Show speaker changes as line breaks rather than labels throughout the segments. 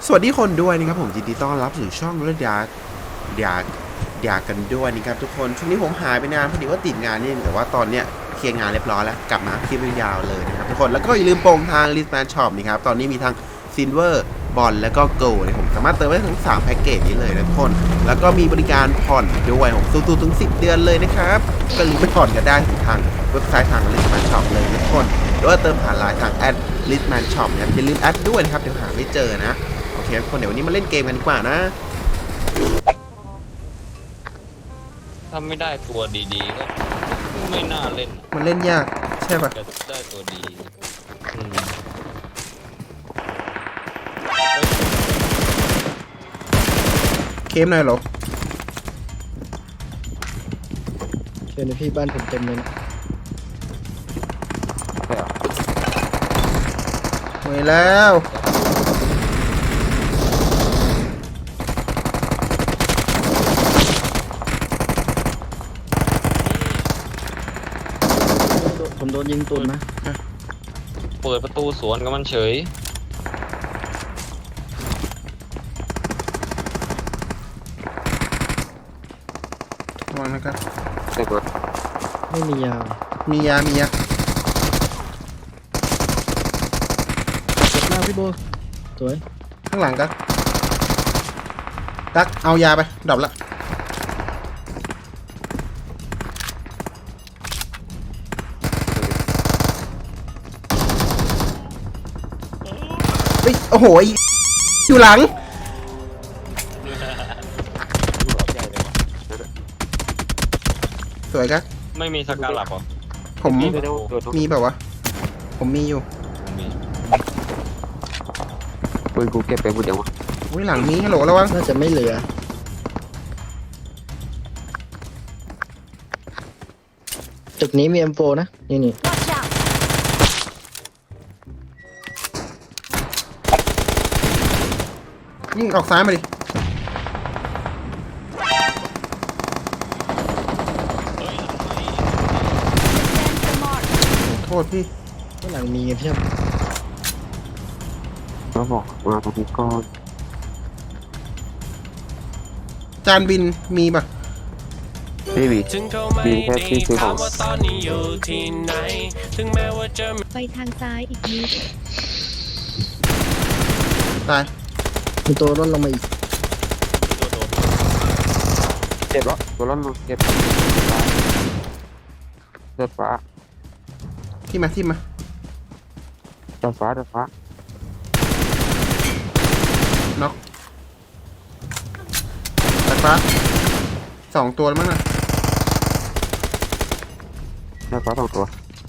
สวัสดีคนด้วยนะครับผมยินดีต้อนรับสู่ช่องเลือดอยากกันด้วยนะครับทุกคนช่วงนี้ผมหายไปนานพอดีว่าติดงานนี่แต่ว่าตอนเนี้ยเคลียร์งานเรียบร้อยแล้วกลับมาคลิปยาวเลยนะครับทุกคนแล้วก็อย่าลืมโปรงทาง Listman Shop นะครับตอนนี้มีทั้ง Silver บอลแล้วก็ Gold นะผมสามารถเติมได้ทั้ง3แพ็กเกจนี้เลยนะทุกคนแล้วก็มีบริการผ่อนด้วยผมสูงถึง10 เดือนเลยนะครับก็รีบไปผ่อนกันได้ทางเว็บไซต์ทาง Listman Shop เลยนะทุกคนหรือว่าเติมผ่านไลน์ทาง @Listman Shop นะครับอย่าลืมแอดด้วยนะครับเดี๋ยวหาไม่เจอนะโอเคทุกคนเดี๋ยววันนี้มาเล่นเกมกันดีกว่านะ
ถ้าไม่ได้ตัวดีๆก็ไม่น่าเล่น
มันเล่นยากใช่ปะ
จะได้ตัวดี
เคมหน่อยเหรอ
เชิญพี่บ้านผมเต็มเลยนะ
หวยแล้ว
ผมโดนยิงตุนนะ
เปิดประตูสวนกับมันเฉย
ระวังนะครับ
ไม่มียา
มียา
เจ็บมากพี่โบสวย
ข้างหลังกันตักเอายาไปดับละเฮ้ยโอ้โหอยู่หลังสวยครับ
ไม่มีสกาลับหรอ
ผมมีแบบวะผมมีอยู่
มี
ปืนกูเก็บไปหมดยังวะ
อุ้ยหลังมีฮัลโหลระวัง
น่าจะไม่เหลือตึกนี้มี M4 นะนี่
ยิงออกซ้ายมาดิโทษพี่
ข้างหลังมีเพียบ
ก็บอกมาตรงนี้ก่อน
จานบินมีปะ
พี่บีมีแค่ที่ซื้อของ
ไปทางซ้ายอีกนิด
ตาย
มีตัวร่นลงมาอีก
เจ็บแล้วตัวร้อนเจ็บเดือดฟ้า
ที่มา
เดือดฟ้า
น็อกตัดฟ้า2 ตัวแล้วมั้งน่ะ
เดือดฟ้า2 ตัว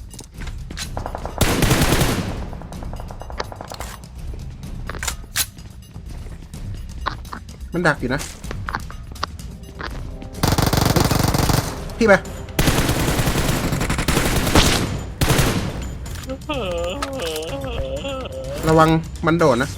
มันดักอยู่นะพี่ไประวังมันโดดนะ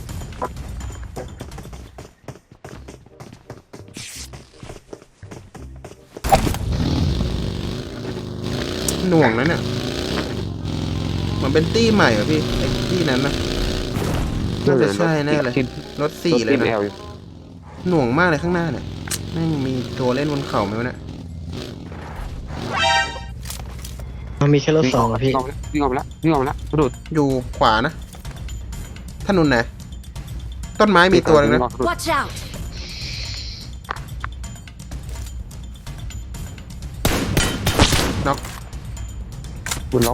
หน่วงนะเนี่ยมันเป็นตี้ใหม่เหรอพี่ไอ้ตี้นั้นนะน่าจะใช่แน่เลยรถ4เลยนะหน่วงมากเลยข้างหน้าเนี่ยแม่งมีตัวเล่นบนเข่าไหมวะเนี่ย
มันมีแค่รถ2อะพี่
วิ่งออกมาแล้วกระโดด
อยู่ขวานะถนนไหนต้นไม้มีตัวนึงนะ
Watch out
ปืนล็อก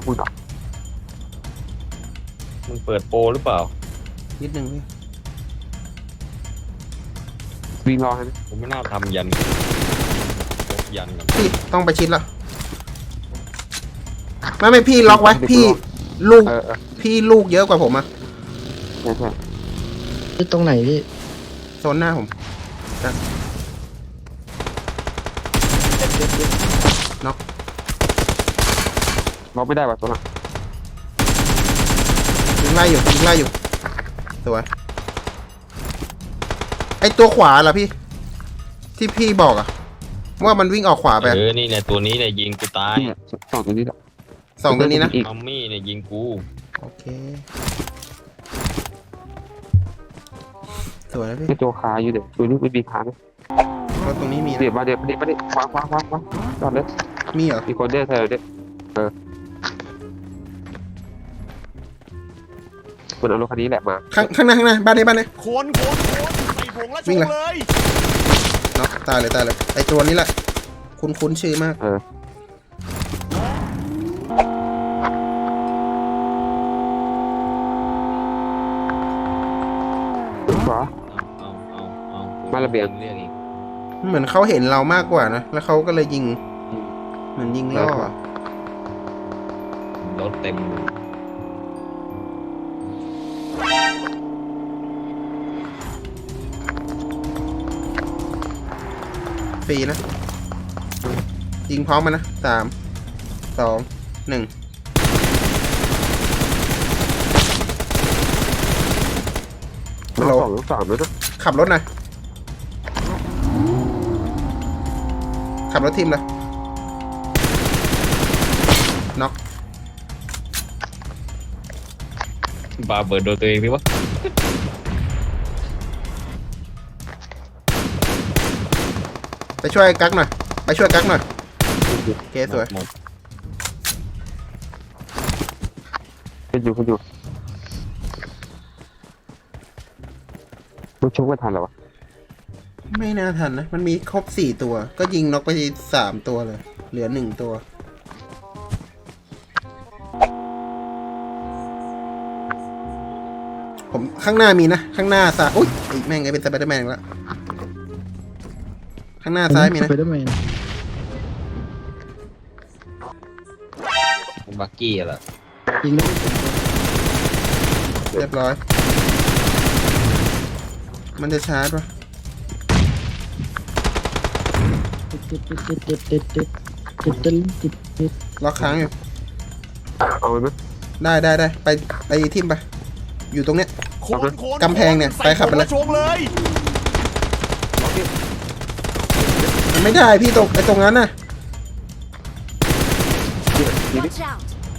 มันเปิดโปรหรือเปล่า
นิดนึงพี่
วิ่งรอให้นะ
ผมไม่น่าทำยันกัน
พี่ต้องไปชิดละไม่พี่ล็อกไว้พี่ลูกพี่ลูกเยอะกว่าผมอะ
ใช่
ที่ตรงไหนพี่
โซนหน้าผมน็อก
ล็อกไม่ได้ว่ะตัวน่ะ
ยิงไล่อยู่สวยไอตัวขวาเหรอพี่ที่พี่บอกอะว่ามันวิ่งออกขวาไป
นี่เนี่ยตัวนี้เนี่ยยิงกูตาย
นี่2 ตัวนี้แหละ
2 ตัวนี้นะ
มัมมี่เนี่ยยิงกู
โอเคสวยนะพี่
ไอ้โจคาอยู่เดี๋ยวตัวนี้ไม่มีคานะ
รถตรงนี้มีนะ
เดี๋ยวมาเดี๋ยวมาดิวางจอดเลย
มีเหรอ
มีคนเดินเธอเนี่ยคนเอารถคันนี้แหละมา
ข้างหน้าบ้านนี้
โคนใส่ผงแล้วช
วิ่ง
ง
เลย
เลย
เนาะตายเลยไอตัวนี้แหละคุ้นชื่อมาก
ขวา
เอา
มาระเบียง
เรียกอีก
เหมือนเขาเห็นเรามากกว่านะแล้วเขาก็เลยยิงเหมือนยิงล่ออะ
รถเต็มเลย
ฟรีนะยิงพร้อมมันนะ3 2 1ฮัลโหล
2 3แล้วนะ
ขับรถหน่อยขับรถทีมเลยน็อก
บาเบิร์ดโดนตัวเองดิวะ
ไปช่วยกั๊กหน่อยโอเคสวย
หมด
ขึ้นอยู่มันชกไม่ทันหรอวะ
ไม่น่าทันนะมันมีครบ4ตัวก็ยิงน็อกไป3ตัวเลยเหลือ1ตัวผมข้างหน้ามีนะข้างหน้าซ้ายอุ้ยไอ้แม่งไงเป็นสไปเดอร์แมนแล้วข้างหน้าซ้ายมีนะ
สไปเดอร์แมน
บักกี้อะล่ะ
ยิงได้
เรียบร้อยมันจะชาร์จวะ
ติด
ล็อกค้างอยู่
เอาไหม
ได้ไปทิมไปอยู่ตรงเนี้ย
โคน
กำแพงเนี่ยไปขับไปเลย
ใส่ผงแล้วชงเลย
มันไม่ได้พี่ตรงนั้นน่ะ
Watch out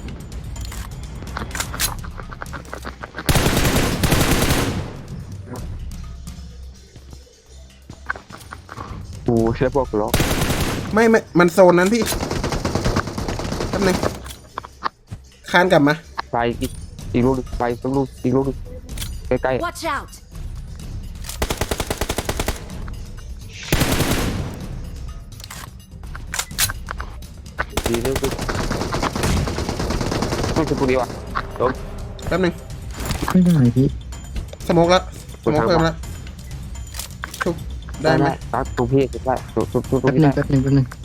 โอ้ใช่พวกล็อก
ไม่มันโซนนั้นพี่แป๊บนึงคานกลับมา
ไปอีกลูกไปสักลูกอีกลูกใกล้
Watch out
ๆดีเรื่องต้องเป็นพวกนี้วะ
แป๊บนึง
ไม่ได้พี่
สโมกแล้วสโมกเพิ่มแล้วชุบได้ไหม
ตัดตรงพี่ได้ตรงตรง
แป๊บ
นี้
นึ
ได้
งแป๊บนึง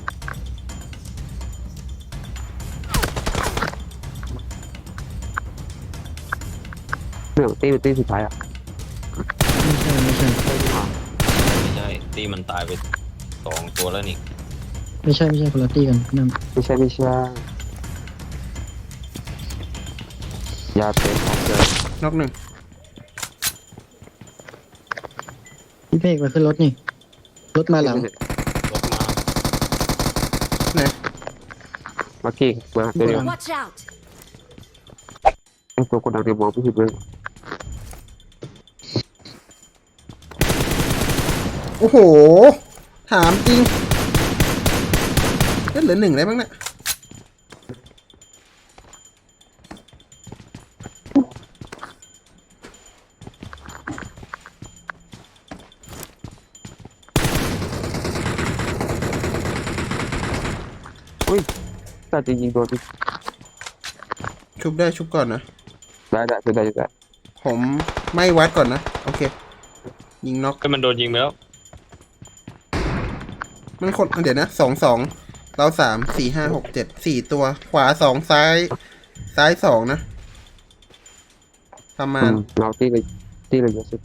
เรื่องตีสุดท้ายอ่ะ
ไม่ใช่
ไม่ใช่ตีมันตายไป2 ตัวแล้วนี่
ไม่ใช่คนละตีกันนั่น
ไม่ใช่ยาเต็มของเลย
น็อกหนึ่ง
พี่เพกมาขึ้นรถนี่รถมาหลัง
รถมา
ไหน
มากี้มาเดี๋ยว
Watch out
ตัวคนดังเดี๋ยวมองไม่เห็นเลย
โอ้โหถามจริงเหลือ1ได้บ้างเนี่ย
แต่จริงๆโดน
ชุบได้ชุบก่อนนะ
ได้
ผมไม่วัดก่อนนะโอเคยิงน็อก
ก็มันโดนยิงไปแล้ว
มันคนเดี๋ยวนะ2 เรา3 4 5 6 7 4ตัวขวา2ซ้าย2นะประมาณ
เราตีเลยเยอะสุด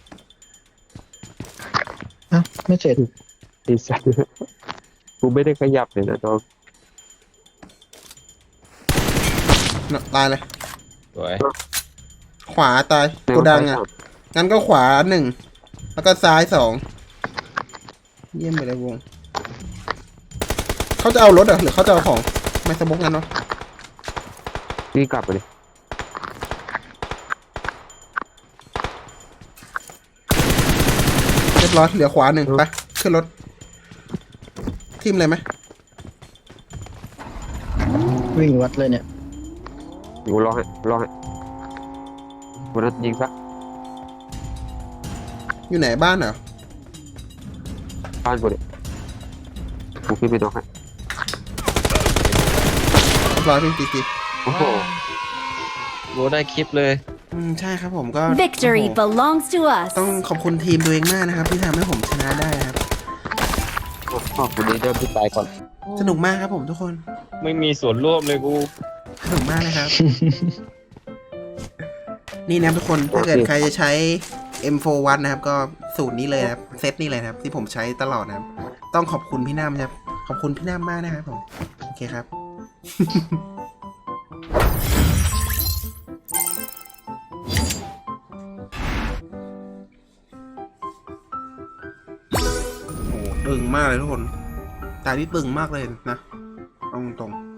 อ้าวไม่เสร็จ
ดีสัสกูไม่ได้ขยับเลยนะน้อง
ตายเลย
สวย
ขวาตายโกดังอ่ะงั้นก็ขวา1แล้วก็ซ้าย2เยี่ยมไปเลยวงเขาจะเอารถเหรอหรือเขาจะเอาของไม่สมบงั้นเนาะ
นี่กลับไปเลย
รียบร้อยเหลือขวาหนึ่งไปขึ้นรถทิมเลยไหม
วิ่งวัดเลยเนี่ย
กูรอให้กูนัดยิงซะ
อยู่ไหนบ้านเหรอ
บ้านกูดิกูขึ้นไปนอกให้
เรียบร้อยพี่ตี
โอ้โห
โบได้คลิปเลย
ใช่ครับผมก็
Victory
โอ้โห
belongs to us
ต้องขอบคุณทีมตัวเองมากนะครับที่ทำให้ผมชนะได้นะครับ
ขอบคุณดีเดิมที่ตายก่อน
สนุกมากครับผมทุกคน
ไม่มีส่วนร่วมเลยกู
สนุกมากนะครับ นี่นะครับทุกคนถ้าเกิดใครจะใช้ M41 นะครับก็สูตรนี้เลยนะครับเซตนี้เลยนะครับที่ผมใช้ตลอดนะครับ ต้องขอบคุณพี่น้ำครับขอบคุณพี่น้ำมากนะครับผมโอเคครับ โอ้โหตึงมากเลยทุกคนตาที่ตึงมากเลยนะเอาตรงๆ